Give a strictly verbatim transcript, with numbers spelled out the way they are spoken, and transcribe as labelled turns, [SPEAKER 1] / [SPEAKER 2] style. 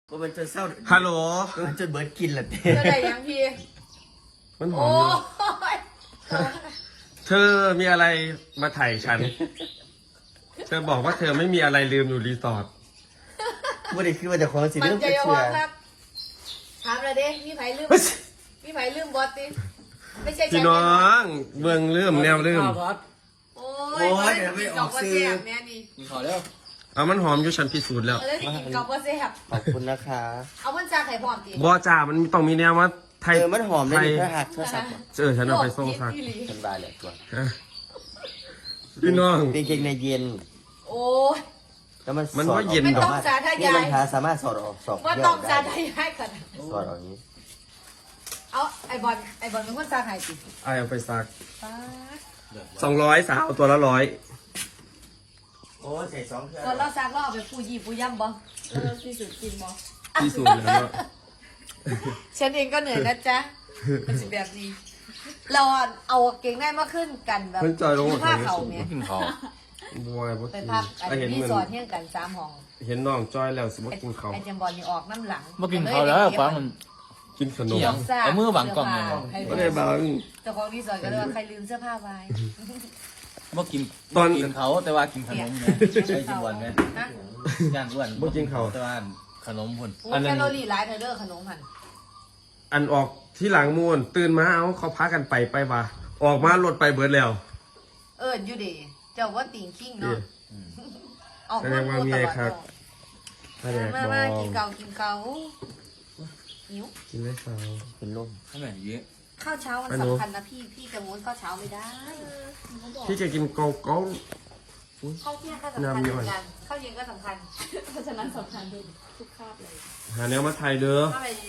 [SPEAKER 1] ก็มันจะเศร้า
[SPEAKER 2] ฮัลโหล
[SPEAKER 1] ก็มันจะเบิร์ดกินแหละเต้
[SPEAKER 3] เธอได้ยังพี่
[SPEAKER 2] มันหอ
[SPEAKER 3] โอ้
[SPEAKER 2] มอยู่
[SPEAKER 3] ย
[SPEAKER 2] เธอมีอะไรมาถ่ายฉัน เธอบอกว่าเธอไม่มีอะไรลืมอยู่รีสอร์ท
[SPEAKER 1] ไม่ได้คิดว่าจะของสิ
[SPEAKER 3] มัน
[SPEAKER 1] เรื่อง
[SPEAKER 3] จะ
[SPEAKER 1] เชื่
[SPEAKER 3] ยอ
[SPEAKER 1] อ
[SPEAKER 3] มครับถามเลยเด้มีไผลืมมีไผลืมบอสติไม่ใช่
[SPEAKER 2] พี่น้องเมืองลืมแนวลืม
[SPEAKER 3] โอ้ยเดี๋ยวไม่ออกซื้อแม่นี่
[SPEAKER 4] ขอแล้ว
[SPEAKER 2] เอามันหอมอยู่ฉันพิสูจน์แล้ว
[SPEAKER 3] เออที่กินกับว่าเสียบ
[SPEAKER 1] ขอบคุณนะคะ
[SPEAKER 3] เอามันจากไข่พร้อมติ
[SPEAKER 2] บอจ่ามันต้องมีแนวว่าไทย
[SPEAKER 1] เออมันหอมเลยนี่เพื่อหักเพื่อสับ
[SPEAKER 2] เออฉันเอาไปส่งซัก
[SPEAKER 1] ฉันบายเลยตัว
[SPEAKER 2] พี่น้อง
[SPEAKER 1] เป็นเกงในเย็น
[SPEAKER 3] โอ้ย
[SPEAKER 1] แล้วมัน
[SPEAKER 2] มันว่า
[SPEAKER 1] สอดออก
[SPEAKER 2] เย็น
[SPEAKER 3] ไม่
[SPEAKER 2] ดอ
[SPEAKER 3] ต้
[SPEAKER 2] ก
[SPEAKER 3] องสาธ
[SPEAKER 1] นี่
[SPEAKER 3] ยาร
[SPEAKER 1] อย งเท้าสามารถสอดออกสอบ
[SPEAKER 3] ว่า
[SPEAKER 1] เย
[SPEAKER 3] ต้อง
[SPEAKER 1] ก
[SPEAKER 3] สา
[SPEAKER 1] ได้
[SPEAKER 3] ธยายกัน
[SPEAKER 1] สอดออกอย่างนี้
[SPEAKER 3] เอาไอบอลไอบอลเป็นคนสาไข่ติ
[SPEAKER 2] ไอเอาไปซัก
[SPEAKER 3] ป้า
[SPEAKER 2] สองร้อยสาวตัวละร้อย
[SPEAKER 1] โอ้ใส่สองเครื่อง
[SPEAKER 3] ตอนเราซักเราเอาไปปูยี่ปูย่ำบ่เราที่สุดกินบ่
[SPEAKER 2] พิสูจน์แล้ว
[SPEAKER 3] ฉันเองก็เหนื่อยนะจ๊ะเป็นสิแบบนี้ เราเอาเก่งได้มากขึ้นกันแบบ
[SPEAKER 2] เพิ่นจอยลงมา
[SPEAKER 3] ผ้า
[SPEAKER 2] ทางนี้
[SPEAKER 3] เขา
[SPEAKER 2] สูง
[SPEAKER 3] เนี่ย
[SPEAKER 4] กินเขา
[SPEAKER 2] บอยบ่
[SPEAKER 3] ไป
[SPEAKER 2] กิน
[SPEAKER 3] พักไอ้
[SPEAKER 2] ไอเห็น
[SPEAKER 3] รี
[SPEAKER 2] เหมือน
[SPEAKER 3] สอร์ทเที่ยงกันสามห้อง
[SPEAKER 2] เห็นน้องจอยแล้วสิบ่กินเขาว
[SPEAKER 3] ไอ้เจมบอลนี่ออกน้ำหลัง
[SPEAKER 4] เมื่อกินเขาแล้วฟังมัน
[SPEAKER 2] กินขนม
[SPEAKER 4] เกี่ยว เอามือวางกล่องเลยนะ
[SPEAKER 2] ไม่ได้บาง
[SPEAKER 3] เจ้าของรีสอร์ทก็เลยว่าใครลืมเสื้อผ้าไว้
[SPEAKER 4] เมื่อกิน
[SPEAKER 2] ตอน
[SPEAKER 4] กินเขาแต่ว่ากินขนมนะใช่กินวันไหม
[SPEAKER 3] นะ
[SPEAKER 4] ย่างอ้วน
[SPEAKER 2] บ่กินเขาว
[SPEAKER 4] แต่ว่าขนมพุ่น
[SPEAKER 3] โอ้แคลอรี่หลายเธอเด้อขนมหัน
[SPEAKER 2] อันออกที่หลังมูนตื่นมาเอาเขาพากันไปไปว่าออกมาลดไปเบิดแล้ว
[SPEAKER 3] เอออยู่ดีเจ้าว่าติ่งคิง
[SPEAKER 2] เอ๊ะ
[SPEAKER 3] เนาะออก
[SPEAKER 2] แสดงว่ามีไอ้ครับ ถ้าแดก
[SPEAKER 3] มา
[SPEAKER 2] บอ
[SPEAKER 3] มาง กินเกากินเกาหิว
[SPEAKER 2] กินได้สาว
[SPEAKER 1] เป็นลม
[SPEAKER 4] เท่าไหร่เยอะ
[SPEAKER 3] ข้าวเช้ามัน
[SPEAKER 2] อันนู้
[SPEAKER 3] สำคัญนะพี่พี่จะม้วนข้าวเช้าไม่ได้
[SPEAKER 2] พี่จะกินโกโก้
[SPEAKER 3] ข้าวเที่ยงก็สำคัญเหมือนกันข้าวเย็นก็สำคัญ
[SPEAKER 5] เพราะฉะนั้นสำคัญทุกคาบเลย
[SPEAKER 2] หาแนวมาไทยเด้อ
[SPEAKER 3] ถ้าไป